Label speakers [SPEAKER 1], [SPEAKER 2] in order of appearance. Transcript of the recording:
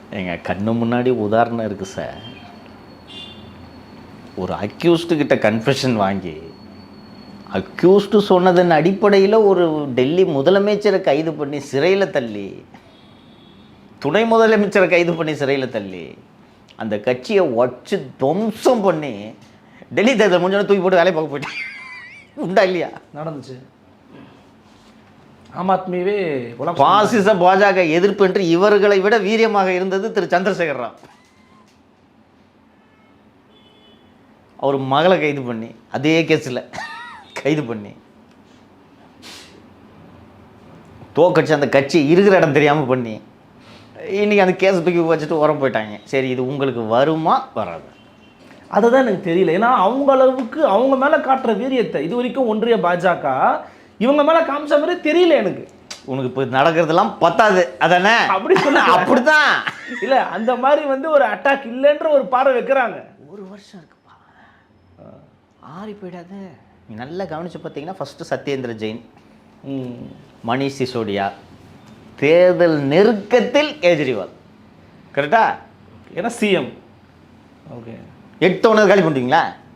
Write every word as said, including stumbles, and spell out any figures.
[SPEAKER 1] எங்கள் கண்ணு முன்னாடி உதாரணம் இருக்குது சார். ஒரு அக்யூஸ்டு கிட்ட கன்ஃபெஷன் வாங்கி அக்யூஸ்டு சொன்னதன் அடிப்படையில் ஒரு டெல்லி முதலமைச்சரை கைது பண்ணி சிறையில் தள்ளி, துணை முதலமைச்சரை கைது பண்ணி சிறையில் தள்ளி, அந்த கட்சியை வச்சு துவம்சம் பண்ணி டெல்லி தேர்தல் முடிஞ்சோடனே தூக்கி போட்டு வேலையை பார்க்க போயிட்டேன். உண்டா இல்லையா?
[SPEAKER 2] நடந்துச்சு. ஆம் ஆத்மியவே
[SPEAKER 1] பாசிச பாஜக எதிர்ப்பு என்று இவர்களை விட வீரியமாக இருந்தது திரு சந்திரசேகர் ராவ். அவர் மகளை கைது பண்ணி அதே கேஸில் கைது பண்ணி தோக்கட்சி அந்த கட்சி இருக்கிற இடம் தெரியாமல் பண்ணி இன்றைக்கி அந்த கேஸை தூக்கி வச்சுட்டு உரம் போயிட்டாங்க. சரி, இது உங்களுக்கு வருமா வராது?
[SPEAKER 2] அதுதான் எனக்கு தெரியல. ஏன்னா அவங்க அளவுக்கு அவங்க மேலே காட்டுற வீரியத்தை இது வரைக்கும் ஒன்றிய பாஜக இவங்க மேலே காமிச்ச மாதிரி தெரியல எனக்கு.
[SPEAKER 1] உனக்கு இப்போ நடக்கிறதெல்லாம் பத்தாது அதானே? அப்படி சொல்ல அப்படித்தான்
[SPEAKER 2] இல்லை, அந்த மாதிரி வந்து ஒரு அட்டாக் இல்லைன்ற ஒரு பார்வை வைக்கிறாங்க.
[SPEAKER 1] ஒரு வருஷம் இருக்குப்பா, ஆறி போயிடாது. நீ நல்லா கவனித்து பார்த்தீங்கன்னா ஃபஸ்ட்டு சத்யேந்திர ஜெயின், மணிஷ் சிசோடியா, தேர்தல் நெருக்கத்தில் கேஜ்ரிவால். கரெக்டா?
[SPEAKER 2] ஏன்னா சிஎம். ஓகே,
[SPEAKER 1] எட்டு ஒன்று காலி பண்ணிட்டீங்களா?